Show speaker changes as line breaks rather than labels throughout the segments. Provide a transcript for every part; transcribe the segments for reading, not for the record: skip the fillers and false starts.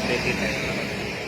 Little tayo.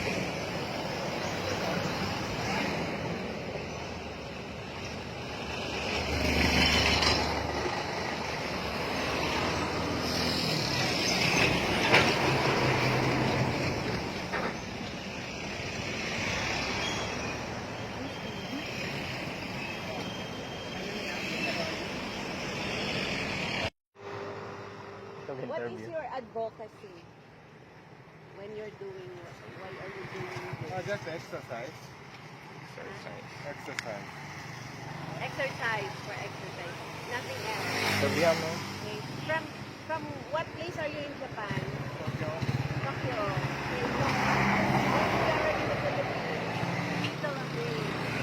What is your advocacy when you're doing, why are you doing this?
Just exercise. Exercise.
Exercise for exercise, nothing else.
Sabihan mo.
Okay. From what place are you in Japan?
Tokyo.
Tokyo. Okay. So, when you are in the Philippines, still away.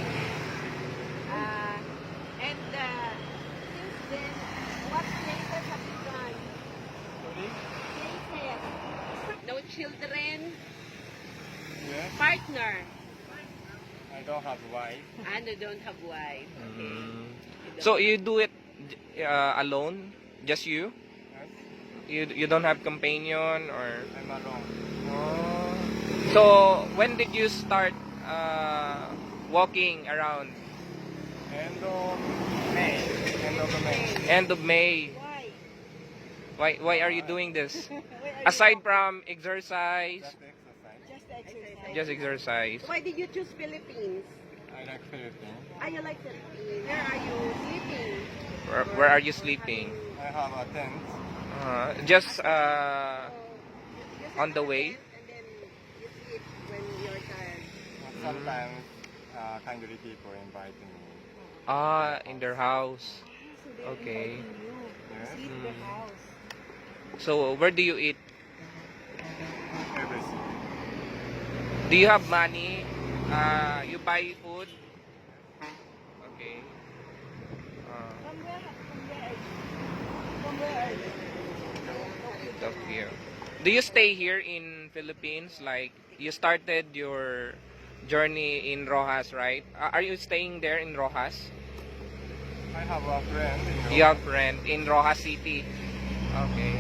And since then, what places have you gone?
Sorry?
Places. No children,
Yes.
partner.
I don't have wife.
And you don't have wife. Okay.
Mm.
You don't
So
have-
you do it alone? Just you?
Yes.
You don't have companion or?
I'm alone.
Oh. So when did you start walking around?
End of May. End of May.
End of May.
Why?
Why are you doing this?
Why are you
Aside
walking?
from exercise,
Just exercise.
Just exercise.
just exercise.
Why did you choose Philippines?
I like Philippines.
Ah, you like Philippines. Where are you sleeping?
Where are you sleeping?
I have a tent.
Just
So, you sit
on the
a
way?
tent and then you sleep when you're tired.
Sometimes kindly people invite me.
in their house.
So they're
Okay.
inviting you.
Yes.
Sleep in their house.
So where do you eat?
Everything.
Do you have money? You buy food? Okay.
From where? From where are you?
Tokyo. Do you stay here in Philippines? Like you started your journey in Rojas, right? Are you staying there in Rojas?
I have a friend.
You have friend in Rojas City. Okay.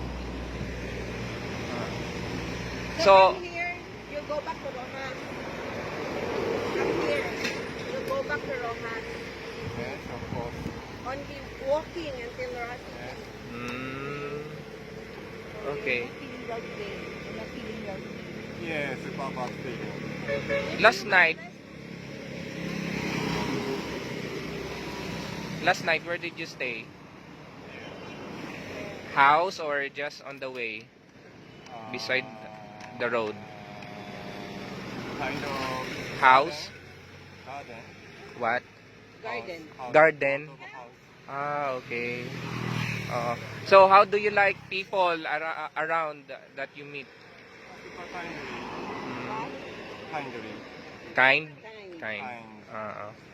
So
from here, you go back to Rojas. From here, you go back to Rojas.
Yes, of course.
Only walking until Rojas City.
Yes.
Okay.
Yes, Papa feeling.
Last night, where did you stay? House or just on the way? Beside the road?
Kind of
House?
garden.
What?
Garden.
House.
Garden?
Out of a house.
Okay. So how do you like people around that you meet?
People kindly.
Mm,
Kindly.
kind?
Kind.
Kind.
Kind.